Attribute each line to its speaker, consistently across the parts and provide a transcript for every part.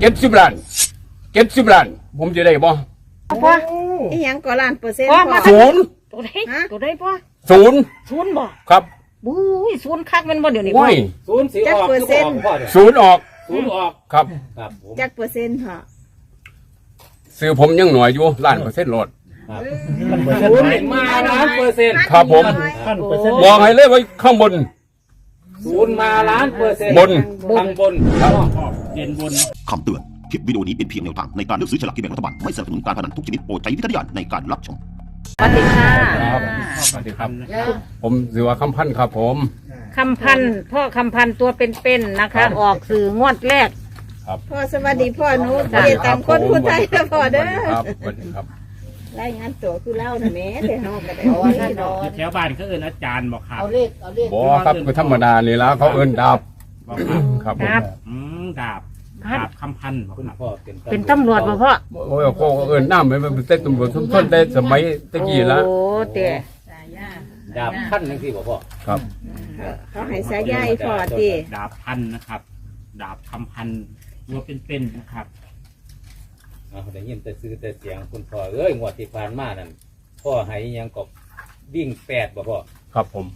Speaker 1: 70 ล้านผมจะได้บ่
Speaker 2: พ่ออีหยังก็ล้านเปอร์เซ็นต์พ่อ
Speaker 1: ศูนย์
Speaker 3: ตัวใดพ่อ
Speaker 1: ศูนย์
Speaker 3: ศูนย์บ่
Speaker 1: ครับ
Speaker 3: บุ้ยศูนย์คักมันบ่เดี๋ยวนี้พ่อ
Speaker 1: ว้ย
Speaker 4: ศูนย์สีออกคือออกพ่อเนี่ย
Speaker 1: ศูนย์ออก
Speaker 4: ศูนย์ออก
Speaker 1: ครับ
Speaker 4: ครับผม
Speaker 2: จักเปอร์เซ็นต์พ่อ
Speaker 1: ซื้อผมยังหน่อยอยู่ล้านเปอร์เซ็นต์โลด
Speaker 4: ครับศูนย์มาล้านเปอร์เซ็นต์
Speaker 1: ครับผม บอกให้เลยไว้ข้างบน
Speaker 4: ศูนย์มาล้านเปอร์เซ็นต์
Speaker 1: บน
Speaker 4: ทางบน
Speaker 5: เด่นบนคำเตือน คลิปวิดีโอนี้เป็นเพียงแนวทางในการเลือกซื้อฉลากกินแบ่งรัฐบาล ไม่สนับสนุนการพนันทุกชนิดโปรดใช้วิจารณญาณในการรับชม
Speaker 3: สวัสดีค่ะ
Speaker 1: ครับสวัสดีครับ ผมสิว่าคำพันธ์ครับผม
Speaker 3: คำพันธ์พ่อคำพันธ์ตัวเป็นๆนะคะ ออกสื่องวดแรก
Speaker 2: พ่อสวัสดีพ่อหนูเรียนตามคนผู้ไทยนะพ่อเด้อ
Speaker 1: ครับสวัสดีครับ
Speaker 2: รายงานตัวคือเล่าน่ะแม่แต่เฮาก็ได้
Speaker 6: แถวบ้านเขาเอิ้นอาจารย์บอกครับ
Speaker 1: บอครับคือธรรมดานี่ละเขาเอิ้นดาบ
Speaker 6: บอกครับ
Speaker 1: ครับผม
Speaker 3: ครับ
Speaker 6: ดาบคำพันธ์บอก
Speaker 4: คุณ
Speaker 6: ครับ
Speaker 4: พ่อ
Speaker 3: เป็นตำรวจบ่พ่อ
Speaker 1: โอ้ยเขาเอิ้นน้ำมันเป็นเต้นตำรวจทุกคนได้สมัยตะกี้ละ
Speaker 3: โอ้เตะ
Speaker 4: ดาบขั้นนึงสิบ่พ่อ
Speaker 1: ครับ
Speaker 2: เขาให้สายใยพ่อติ
Speaker 6: ดาบพันธ์นะครับ ดาบคำพันธ์ตัวเป็นๆนะครับ
Speaker 4: ได้ยินแต่ซื้อแต่เสียงคุณพ่อเอ้ยงวดที่ผ่านมานั่นพ่อให้ยังกบวิ่ง8บ่พ่อ
Speaker 1: ครับผม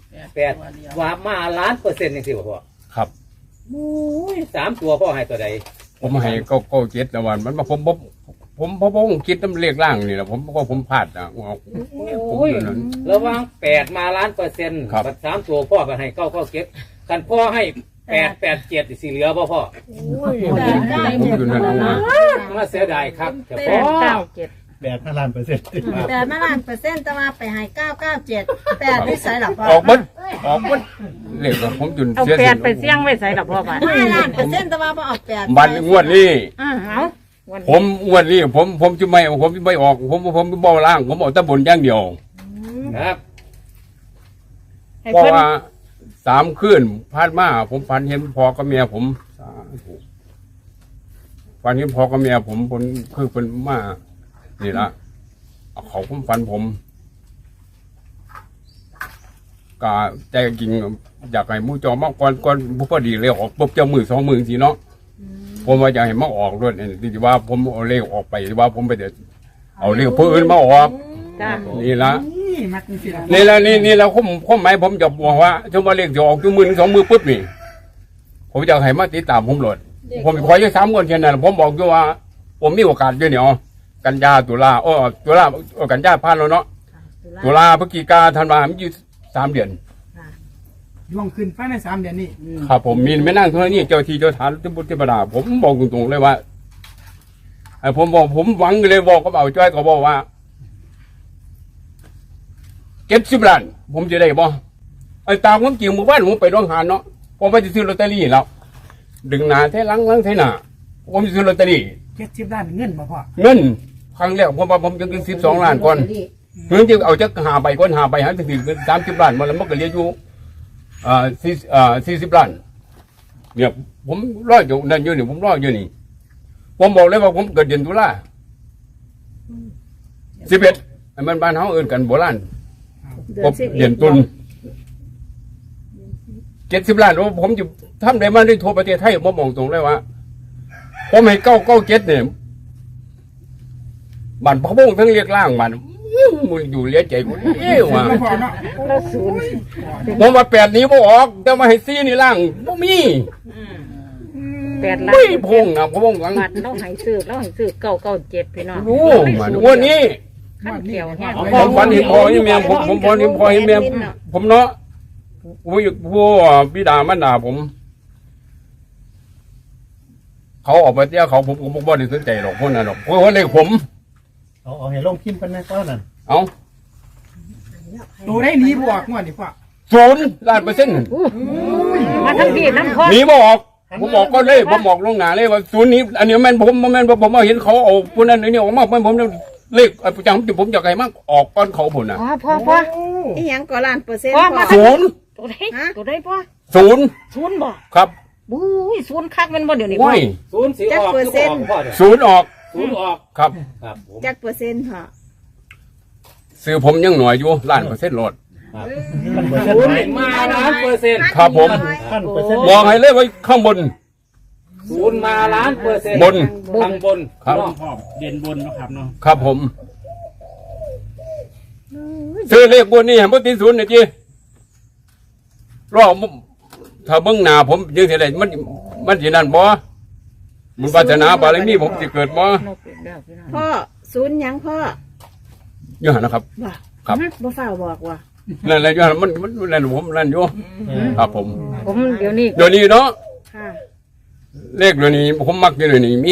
Speaker 4: 8ว่ามาล้านเปอร์เซ็นต์จังซี่บ่พ่อ
Speaker 1: ครับ
Speaker 4: โอ้ย3ตัวพ่อให้ตัวใด
Speaker 1: ผมให้เก้าเจ็ดนะวันมันมาผมคิดน้ำเลขล่างนี่แหละผมพลาดนะผม
Speaker 4: โอ้ย
Speaker 1: อยู่นั้น
Speaker 4: ระวัง8มาล้านเปอร์เซ็นต์
Speaker 1: ครับ
Speaker 4: บัด3ตัวพ่อก็ให้9กันพ่อให้887สิเหลือบ่พ่อ
Speaker 1: ผมอยู่นั้นเอามา
Speaker 4: มาเสียดายครับแต่
Speaker 3: แป
Speaker 4: พ่อ
Speaker 3: ดเก้าเจ็ด
Speaker 5: 8 ล้านเปอร์เซ็นต์
Speaker 2: แต่มาล้านเปอร์เซ็นต์แต่ว่าไปให้997 8นิสัยหรอพ่อ
Speaker 1: ออกบดเลขของผมจน
Speaker 3: เอา
Speaker 1: เสีย
Speaker 3: แปดไปเสี่ยงไว้ใส่กับพ่อบ้าน
Speaker 2: 5ล้านเปอร์เซ็นต์แต่ว่าบ่ออก8
Speaker 1: บันงวดนี้
Speaker 3: เอาวัน
Speaker 1: ผมงวดนี้ผมจะไม่ออกผมบ่ล่าง ผมเอาแตะบนอย่างเดียว
Speaker 4: ครับ
Speaker 3: ให้
Speaker 1: เพราะ
Speaker 3: เพิ่น
Speaker 1: ว่า3 คืนผ่านมาผมฝันเห็นพ่อกับเมียผมสาธุฝันเห็นพ่อกับเมียผมคือเป็นมานี่ละเขาผมฝันผมกะใจจริงอยากให้มูจอมากก่อนผู้พอดีเลยออกปุ๊บเจ้ามือ2 มือสิเนาะผมว่าอยากให้มาออกด้วยที่ว่าผมเอาเลขออกไปที่ว่าผมไปเดี๋ยวเอาเลขผู้อื่นมาออก
Speaker 3: จ้า
Speaker 1: นี่ละนี่ละผมหมายผมจะบอกว่าช่วงมาเลขจะออกจุมือ2 มือปุ๊บนี่ผมจะให้มาติดตามผมโหลดผมขอแค่3 คนแค่นั้นผมบอกอยู่ว่าผมมีโอกาสด้วยเนี่ยกันยาตุลากันยาผ่านแล้วเนาะตุลาพฤศจิกาธันวาคมอยู่3 เดือน
Speaker 7: ย่วงขึ้นภายใน3 เดือนนี้
Speaker 1: ครับผมมีไม่นั่งเท่านี้เจ้าที่เจ้าทานที่บุตรบดาผมบอกตรงๆเลยว่าไอ้ผมหวังเลยบอกกับเอาจ้อยก็บอกว่า70 ล้านผมจะได้บ่ไอ้ตามความจริงเมื่อวานผมไปโรงหารเนาะผมไปซื้อลอตเตอรี่แล้วดึงหนาเท่หลังเท่หน้าผมซื้อลอตเตอรี่
Speaker 7: 70 ล้านเงินบ่พ่อ
Speaker 1: เงินครั้งแรกผมจะกิน12 ล้านก่อนเงินที่เอาจะหาไปก่อนหาไปหาถึง30 ล้านมาแล้วมันก็เหลืออยู่40 ล้านเนี่ยผมรออยู่นั่นอยู่นี่ผมรออยู่นี่ผมบอกเลยว่าผมเกิดเดือนตุลา11ไอ้มันบ้านเฮาเอิ้นกันโบราณผมเดือนตุล70 ล้านผมจะทำได้มาได้ทั่วประเทศไทยผมบอกตรงเลยว่าผมให้997เนี่ยบ้านพะวงทั้งเรียกล่างมันมึงอยู่เลี้ยใจกูว่ะ
Speaker 7: บ่พ่อเนาะ
Speaker 3: เราศูนย์
Speaker 1: ผมว่า8นี้บ่ออกแต่มาให้4นี่ล่างบ่มี
Speaker 3: 8 ล้าน
Speaker 1: ไม่พงนะพะวงหลัง
Speaker 3: บัตรเราให้ซื้อ997พี่น้อง
Speaker 1: รู้มันวันนี้
Speaker 3: ขั้นเกี่ยวแห้ง
Speaker 1: ผมฝันเห็นพ่อนี่แม่ผมฝันเห็นพ่อเห็นแม่ผมเนาะผู้บิดามารดาผมเขาออกไปเที่ยวเขาผมบ่ได้สนใจหรอกพวกนั้นหรอกเพราะว่าเลขผม
Speaker 5: เอาให้ลงพิมพ์กันนะก้อนนั่น
Speaker 1: เอา
Speaker 7: ตัวได้หนีบ่ออกงวดนี่พ่อ
Speaker 1: 0 ล้านเปอร์เซ็นต์
Speaker 3: มาทั้งพี่น้ำพ่อ
Speaker 1: หนีบ่ออกผมบอกก็เลยผมบอกลงหน้าเลยว่า0นี้อันนี้แม่นผมมาเห็นเขาเอาพวกนั้นนี่ออกมาผมเลขประจำผมอยากให้มากออกก้อนเขาผลนะ
Speaker 3: พ่อ
Speaker 2: อีหยังก็ล้านเปอร์เซ็นต์
Speaker 3: พ่อ
Speaker 2: พ่
Speaker 3: มา
Speaker 2: อ
Speaker 3: ตัวใดพ่อ
Speaker 1: 0
Speaker 3: ศูนย์บ่
Speaker 1: ครับ
Speaker 3: บุ้ยศูนย์คักมันบ่เดี๋ยวนี้พ่อ
Speaker 1: ว้ย
Speaker 4: ศูนย์สีออกคือออกพ่อเนี่ย
Speaker 1: 0ออก
Speaker 4: ศูนย์ออก
Speaker 1: ครับ
Speaker 4: ครับผม
Speaker 2: จักเปอร์เซ็นต์พ่อ
Speaker 1: ซื้อผมยังหน่อยอยู่ล้านเปอร์เซ็นต์โหลด
Speaker 4: ศูนย์มาล้านเปอร์เซ็นต์
Speaker 1: ครับผม
Speaker 5: 1,000%
Speaker 1: บอกให้เลยไว้ข้างบน
Speaker 4: ศูนย์มาล้านเปอร์เซ็นต์
Speaker 1: บน
Speaker 4: ทางบน
Speaker 1: ครับ
Speaker 4: เนาะ
Speaker 6: พ่อเด่นบนนะครับเนาะ
Speaker 1: ครับผมซื้อเลขบนนี่เห็นบ่ติดศูนย์เนี่ยจีรอบถ้าเบิ่งหน้าผมยังสิได้มันสินั่นบ่บุญวาสนาบารมีผมสิเกิดบ่
Speaker 3: นกอีกแล้วพี่น้อง
Speaker 2: พ่อศูนย์หยังพ่อ
Speaker 1: อยู่หั่นนะครับ
Speaker 2: ว่า
Speaker 1: ครับ
Speaker 2: บ่ฝ้าวบอกว่า
Speaker 1: นั่นแหละอยู่หั่นมันนั่นผมนั่นอยู่ครับผม
Speaker 3: ผมเดี๋ยวนี้
Speaker 1: เดี๋ยวนี้เนาะ
Speaker 2: ค่ะ
Speaker 1: เลขเดี๋ยวนี้ผมมักอยู่เดี๋ยวนี้มี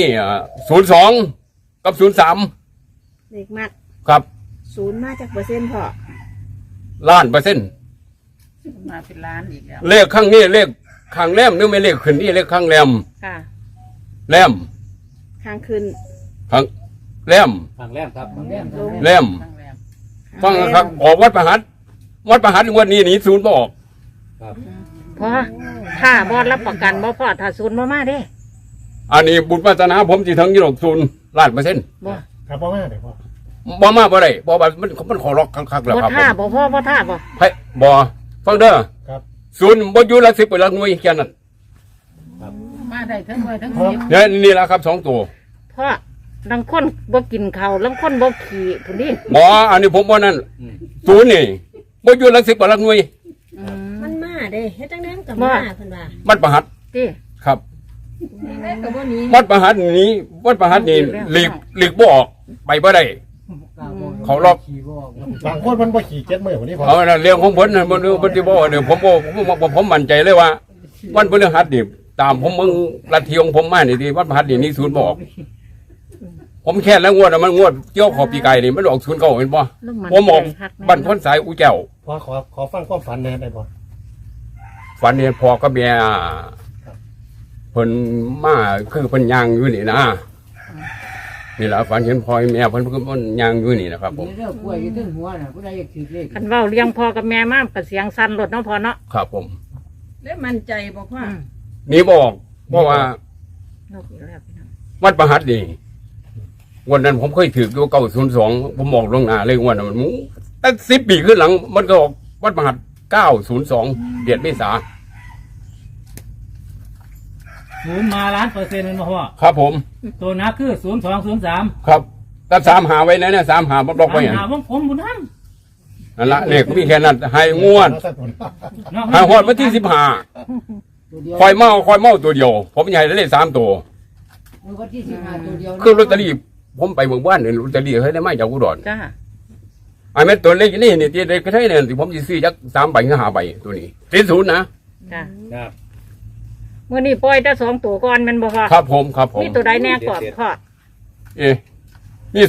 Speaker 1: 02กับ03
Speaker 2: เด็กมัก
Speaker 1: ครับ
Speaker 2: ศูนย์มาจากเปอร์เซ็นต์พ่อ
Speaker 1: ล้านเปอร์เซ็นต์
Speaker 3: มาเป็นล้านอีกแล้ว
Speaker 1: เลขข้างนี้เลขข้างแรมนึกไม่เลขขึ้นนี่เลขข้างแรม
Speaker 3: ค่ะ
Speaker 1: แรม
Speaker 2: ข้างขึ้น
Speaker 1: ข้างแรม
Speaker 4: ทางแรกครับทางแรก
Speaker 2: ลง
Speaker 1: แรมฟังนะครับออกวัดประหัตงวันนี้หนีศูนย์บ่ออก
Speaker 4: ครับ
Speaker 3: พ่อถ้าบอดรับประกันบ่พ่อถ้าศูนย์บ่มาเด้
Speaker 1: อันนี้บุญวาสนาผมสิถึง20%ล้านเปอร์เซ็นต์
Speaker 3: บ่
Speaker 7: ครับพ่อแม่เดี๋ยวพ่อ
Speaker 1: บ่มาบ่ได้บ่ว่ามันขอล็อกคักๆแล้ว
Speaker 3: บ่
Speaker 1: ครับผ
Speaker 3: ท่าม บ่พ่อบ่ท่าบ่
Speaker 1: ไผบ่ฟังเด้อ
Speaker 7: ครับ
Speaker 1: ศูนย์บ่อยู่หลัก10เป็นหลักหน่วยแค่นั้น
Speaker 3: มาได้ทั้งหน่วยทั้ง
Speaker 1: เนี่ยนี่ล่ะครับ2ตัว
Speaker 3: พ่อลังคนบ่กินข้าวลังคนบ่ขี่พุ่นนี่
Speaker 1: บ่อันนี้ผมบ่นั่น
Speaker 4: อืม
Speaker 1: ศูนย์นี่บ่อยู่หลัก10เป็นหลักหน่วย
Speaker 2: มันมาเด้เฮ็ดจังได๋มันก็
Speaker 3: ว่า
Speaker 2: มาเพิ่นว่า
Speaker 1: วัดประหัต
Speaker 3: ติ
Speaker 1: ครับ
Speaker 2: แม่ก็บ่หนี้
Speaker 1: วัดประหัตนี้วัดประหัตนี่หลีกบ่ออกไปบ่ได้เขาล็อก
Speaker 7: บางคนมันบ่ขี่7 มื้อวันนี้พ่อ
Speaker 1: เอาน่ะเรื่องของผมน่ะบ่รู้บ่สิบ่เดี๋ยวผมมั่นใจเลยว่า วันพฤหัสนี่ตามผมมึงลัทธิของผมมานี่ที่วัดประหัตนี่นี่ศูนย์บ่ออกผมแค่แล้วงวดน่ะมันงวดเกี่ยวขอปีไก่นี่มันออก09เห็นบ่
Speaker 3: ลูกน
Speaker 1: ผมออก
Speaker 3: ใจคักแม่
Speaker 1: บ้านพ้นสายอูแก้ว
Speaker 7: พ่อขอฟังความฝันแน่ได้บ่
Speaker 1: ฝันเห็นพ่อกับแม่เพิ่นมาคือเพิ่นย่างอยู่นี่นะนี่ล่ะฝันเห็นพ่อแม่เพิ่นย่างอยู่นี่นะครับผม
Speaker 3: คันเว้าเลี้ยงพ่อกับแม่มาก็เสียงสั่นรถเนาะพ่อเนาะ
Speaker 1: ครับผม
Speaker 2: ได้มั่นใจบ่พ่อ
Speaker 1: นี่บอกเพราะว่า
Speaker 3: นกอีกแล้วพี่น้อง
Speaker 1: วัดประหัตนี่วันนั้นผมเคยถืออยู่902ผมบอกลวงหน้าเลยว่านั้นมันตั้ง10 ปีขึ้นหลัง มันก็ออกวัดประหัต902เดือนเมษา
Speaker 6: ศูนย์มาล้านเปอร์เซ็นต์เลยนะพ่อ
Speaker 1: ครับผม
Speaker 6: ตัวนักคือ0203
Speaker 1: ครับแต่3หาไว้นะเนี่ย3หาบ่บอกไว้หยัง
Speaker 6: หาวงผมบุญท่าน
Speaker 1: นั่นละเลขมีแค่นั้นให้งวด
Speaker 6: เนาะ
Speaker 1: ให้ฮอดวันที่15คอยเมาตัวเดียว ผมใหญ่ได้เลข3ตัวคือลอตเตอรี่ผมไปเมืองบ้านเนี่ยลอตเตอรี่ให้ได้มาจากอุดร
Speaker 3: จ้า
Speaker 1: ไอ้แม่ตัวเล็กนี่นี่ที่เด็กก็ใช่เนี่ยที่ผมจะซื้อจัก3 ใบหรือ5 ใบตัวนี้ติดศูนย์นะ
Speaker 3: จ้า
Speaker 4: ครับ
Speaker 3: มื้อนี้ปล่อยแต่2ตัวก่อนแม่นบ่พ่อ
Speaker 1: ครับผมครับผม
Speaker 3: มีตัวใดแน่ก่อนพ่อ
Speaker 1: นี่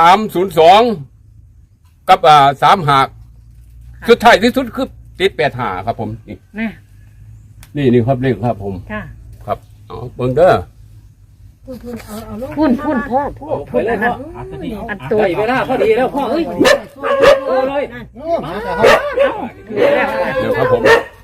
Speaker 1: 0302กับ3 หากสุดท้ายที่สุดคือติด8 หาครับผมนี่
Speaker 3: แน่
Speaker 1: นี่ครับเลขครับผม
Speaker 3: จ้า
Speaker 1: ครับเอาเบิ่งเด้อ
Speaker 2: เอาลง
Speaker 3: พุ่นพ่อพูด
Speaker 4: ไปเลยพ่อ
Speaker 6: เอาตัวนี้
Speaker 3: อันตัว
Speaker 4: ได้เวลาพอดีแล้วพ่อเอ้ยโอ้เลย
Speaker 1: เดี๋ยวครับผม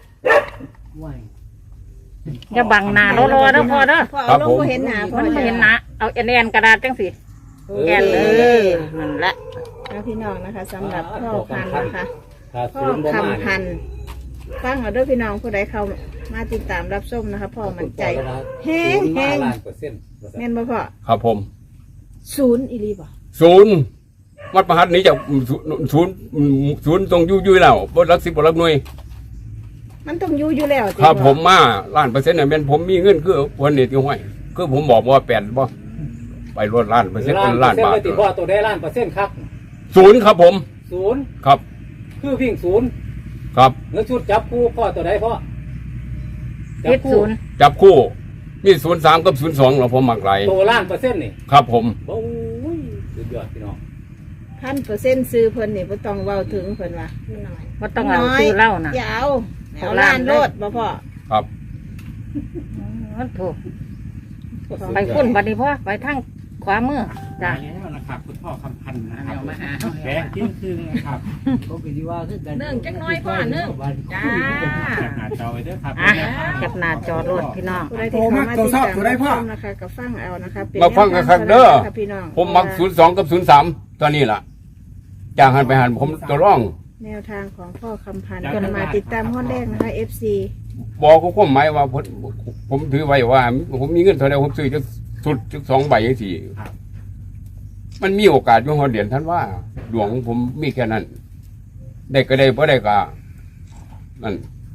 Speaker 3: อย่าบังหน้ารอๆเด้อพ่อเด้อ
Speaker 2: พ่อเอาลงบ่เห็นหน้าพ่อ
Speaker 3: มันบ่เห็นหนะเอาแอนกระดาษจังสิแอนนั่นแหละ
Speaker 2: เอาพี่น้องนะคะสำหรับพ่อพันธุ์นะคะ
Speaker 4: ถ้า
Speaker 2: พ่อ
Speaker 4: ศูนย์บ่มา
Speaker 2: คำพันธุ์ฟังเอาเด้วยพี่น้องผู้ใดเข้ามาติดตามรับชมนะคะพ่อมั่นใจแห้ง
Speaker 4: ศูนย์มา
Speaker 2: แห้ง
Speaker 4: ล้านเปอร์เซ็นต์
Speaker 2: แม่นบ่พ่อ
Speaker 1: ครับผม
Speaker 2: ศูนย์อีหลีบ่
Speaker 1: ศูนย์วัดประหัตนี้จะศูนย์ตรงยุ่ยแล้วบนรัก10บ่รักหน่วย
Speaker 2: มันต้องอยู่อยู่แล้วสิ
Speaker 1: ครับ
Speaker 2: พ่อ
Speaker 1: ผมมาล้านเปอร์เซ็นต์เนี่ยเป็นผมมีเงินคือวันนี้ที่ห้อยคือผมบอกว่า8บ่ไปรวดล้านเปอร์เซ็นต์เป็นล้านบาท
Speaker 4: เลยติพ่อตัวได้ล้านเปอร์เซ็นต์ครับ
Speaker 1: ศูนย์ครับผม
Speaker 4: ศูนย์
Speaker 1: ครับ
Speaker 4: คือวิ่งศูนย์
Speaker 1: ครับ
Speaker 4: เงินชุดจับคู่พ่อตัวใดพ่อ
Speaker 3: ติดศูนย์
Speaker 1: จับคู่มี03กับ02เราผมมักหลาย
Speaker 4: ตัวล้านเปอร์เซ็นต์นี่
Speaker 1: ครับผม
Speaker 4: โอ้ยสุดยอดพี่น้อง
Speaker 2: 1,000%ซื้อเพิ่นนี่บ่ต้องเว้าถึงเพิ่นว่า
Speaker 3: บ่ต้องเอาซื้อเหล้านะ
Speaker 2: อย่าเอาล้านโลดบ่พ่อ
Speaker 1: ครับ
Speaker 3: มันถูกไปพุ่นบัดนี้พ่อไปทางขวามือจ้า
Speaker 6: ตายแล้วนะครับคุณพ่อคำพันธ์นะครับแบงค์ทิ้งคืนนะครับ
Speaker 2: เนื่องจักหน้อยพ่อเนื่องจ้า
Speaker 6: แคปหน้าจอไว้ด้วยครับ
Speaker 3: อ่ะแคปหน้าจอรถพี่น้อง
Speaker 2: ผู้ใดที่เข้ามาติดตามรับชมนะคะก็ฟังเอานะคะเป็น
Speaker 1: มาฟังกันครับเด้อ
Speaker 2: ค่ะพี่น้อง
Speaker 1: ผมมัก02กับ03ตัวนี้ล่ะจ้างหันไปหันผมตัวร่อง
Speaker 2: แนวทางของพ่อคำพันธ์คนมาติดตามข้อแรกนะคะ FC
Speaker 1: บอกเขาความหมายว่าผมถือไว้ว่า ผมมีเงินเท่าไรผมซื้อจะสุดจุด2 ใบอย่างสี่มันมีโอกาสอยู่หัวเดือนท่านว่าดวงของผมมีแค่นั้น ได้ก็ได้บ่ได้ก็นั่น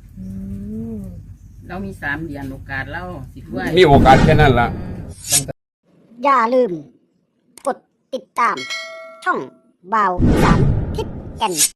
Speaker 8: เรามี3 เดือนโอกาสเราสิด้วย
Speaker 1: มีโอกาสแค่นั้นล่ะ
Speaker 9: อย่าลืม กดติดตาม ช่องบ่าวอีสานทิศแก่น